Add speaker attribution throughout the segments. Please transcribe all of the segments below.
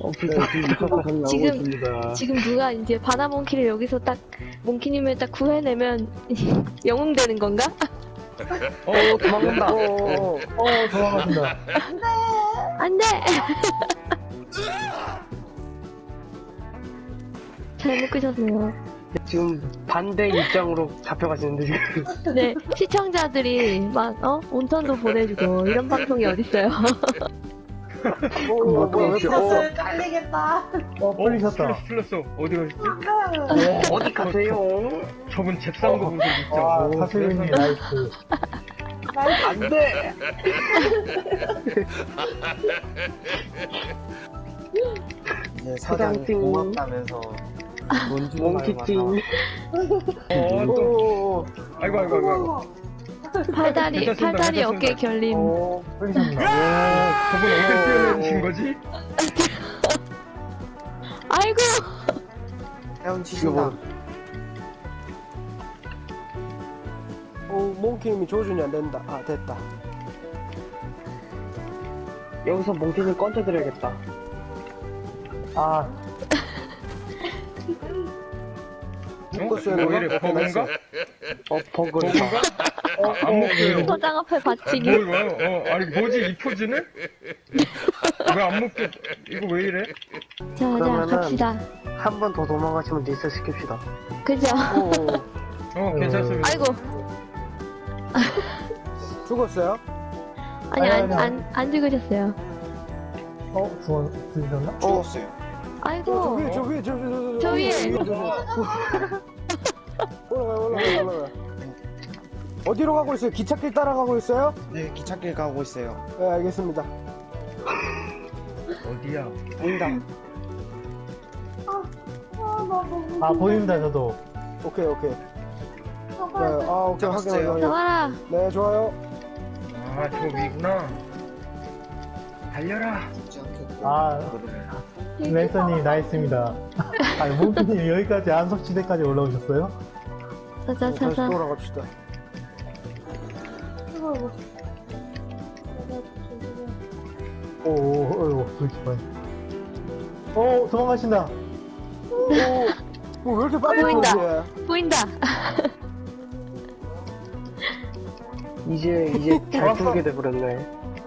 Speaker 1: 지금 누가 이제 바다 몽키를 여기서 딱 몽키님을 딱 구해내면 영웅되는 건가?
Speaker 2: 도망간다.
Speaker 3: 도망가신다.
Speaker 1: 안돼. 잘못 끄셨네요.
Speaker 2: 지금 반대 입장으로 잡혀가시는데 지금.
Speaker 1: 네, 시청자들이 막 온천도 보내주고 이런 방송이 어딨어요.
Speaker 2: 왜 풀었어?
Speaker 4: 깔리겠다.
Speaker 3: 풀리셨다.
Speaker 5: 풀렸어. 어디 가셨지?
Speaker 2: 어디 가세요?
Speaker 5: 저분 잽싼 거 본 적 있죠?
Speaker 3: 와,
Speaker 5: 오,
Speaker 3: 사수님이
Speaker 5: 세상에.
Speaker 3: 나이스.
Speaker 2: 안 돼!
Speaker 6: 네, 사장
Speaker 2: 사장찡.
Speaker 6: 고맙다면서
Speaker 2: 몽키찡.
Speaker 5: 또. 아이고.
Speaker 1: 팔다리
Speaker 5: 괜찮습니다.
Speaker 1: 어깨 결림.
Speaker 3: 풀리셨나?
Speaker 5: 저분 어떻게 뛰어내신 거지?
Speaker 1: 아이고.
Speaker 6: 헤엄치신다.
Speaker 7: 몽키님이 조준이 안 된다. 아, 됐다.
Speaker 2: 여기서 몽키님 건져드려야겠다.
Speaker 3: 아,
Speaker 7: 묶었어요.
Speaker 5: 왜 이래? 버그인가?
Speaker 2: 버그다.
Speaker 5: 안 먹혀요.
Speaker 1: 소장 앞에 받치기.
Speaker 5: 뭐야? 아니 뭐지 이 포즈는? 왜 안 먹혀? 이거 왜 이래?
Speaker 1: 자,
Speaker 2: 그러면은-
Speaker 1: 갑시다.
Speaker 2: 한 번 더 도망가시면 리셋 시킵시다.
Speaker 1: 그죠?
Speaker 5: 괜찮습니다.
Speaker 1: 아이고.
Speaker 7: 죽었어요?
Speaker 1: 아니,
Speaker 3: 아니,
Speaker 1: 안 죽으셨어요.
Speaker 3: 죽으셨나?
Speaker 6: 죽었어요.
Speaker 1: 아이고.
Speaker 7: 저 위에.
Speaker 1: 저 위에.
Speaker 7: 올라가요. 어디로 가고 있어요? 기찻길 따라가고 있어요?
Speaker 6: 네, 기찻길 가고 있어요.
Speaker 7: 네, 알겠습니다.
Speaker 5: 어디야?
Speaker 6: 보인다.
Speaker 3: 아, 보입니다, 저도.
Speaker 7: 오케이. 네, 오케이.
Speaker 6: 잡았어요.
Speaker 7: 확인.
Speaker 1: 나와라.
Speaker 7: 네, 좋아요.
Speaker 5: 아, 저 위구나. 달려라.
Speaker 3: 아, 랜서님 나이스입니다. 아니, 몽키님 여기까지 안석지대까지 올라오셨어요?
Speaker 7: 다시
Speaker 1: 자자자자.
Speaker 7: 돌아갑시다.
Speaker 3: 오, 불기판. 도망가신다.
Speaker 7: 왜 이렇게 빨리
Speaker 1: 보인다.
Speaker 7: 보이지?
Speaker 1: 보인다.
Speaker 2: 이제 잘 풀게 돼버렸네.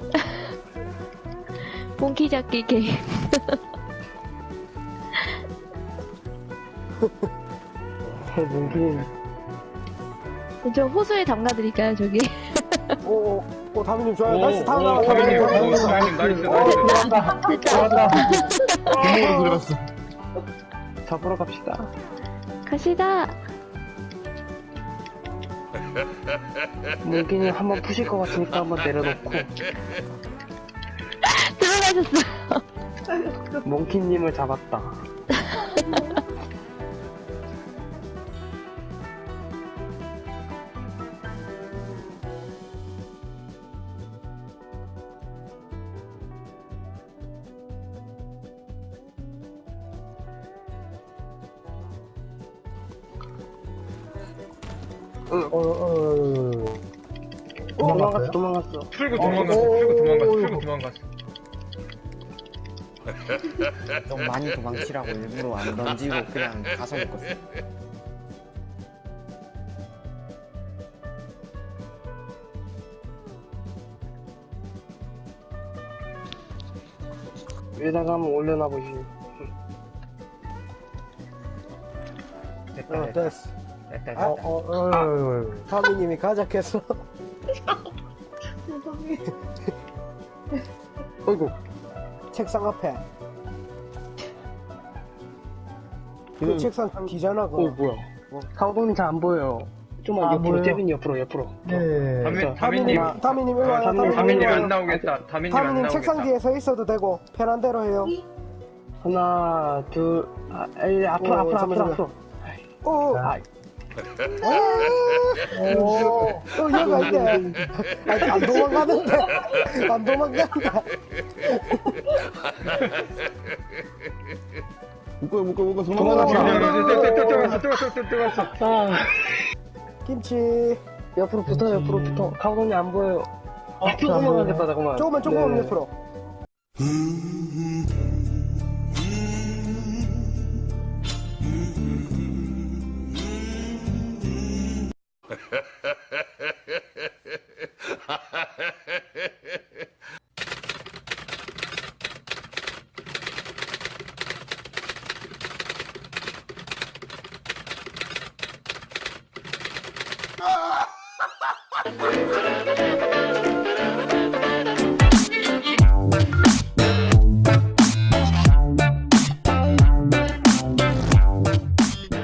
Speaker 1: 몽키 잡기 게임.
Speaker 2: 몽키님.
Speaker 1: 저 호수에 담가드릴까요, 저기?
Speaker 7: 다미님 좋아요. 나이스, 다음 나와.
Speaker 5: 타미님, 나이스.
Speaker 1: 됐다.
Speaker 3: 구멍으로 들어갔어.
Speaker 2: 잡으러 갑시다.
Speaker 1: 가시다.
Speaker 2: 몽키님 한번 푸실 것 같으니까 한번 내려놓고
Speaker 1: 들어가셨어요.
Speaker 2: 몽키님을 잡았다. 도망갔어.
Speaker 5: 풀고 도망갔어.
Speaker 6: 좀 많이 도망치라고 일부러 안 던지고 그냥 가서 묶었어요.
Speaker 2: 위에다가 한번 올려놔 보시.
Speaker 7: 됐어.
Speaker 5: 됐다.
Speaker 7: 다미님이 가작해서.
Speaker 2: 어이구.
Speaker 7: 책상 앞에. 그 책상 뒤잖아, 그거.
Speaker 2: 뭐야. 상동님 잘 안 보여요. 좀만 옆으로,
Speaker 3: 보여요?
Speaker 2: 재빈이 옆으로.
Speaker 3: 네.
Speaker 7: 다미님 일로 와요.
Speaker 5: 다미님 안 나오겠다.
Speaker 7: 다미님 책상 뒤에 서 있어도 되고 편한 대로 해요.
Speaker 2: 하나, 둘, 앞으로.
Speaker 7: 오,
Speaker 2: 아,
Speaker 7: 얘가 있네. 안 도망가는데. 안 도망간다.
Speaker 6: 묶어
Speaker 5: 들어갔어.
Speaker 7: 김치.
Speaker 2: 옆으로 붙어. 상동님 안 보여요.
Speaker 3: 안
Speaker 2: 조금만
Speaker 3: 보여요.
Speaker 2: 됐다, 잠깐만.
Speaker 7: 조금만
Speaker 2: 네.
Speaker 7: 옆으로.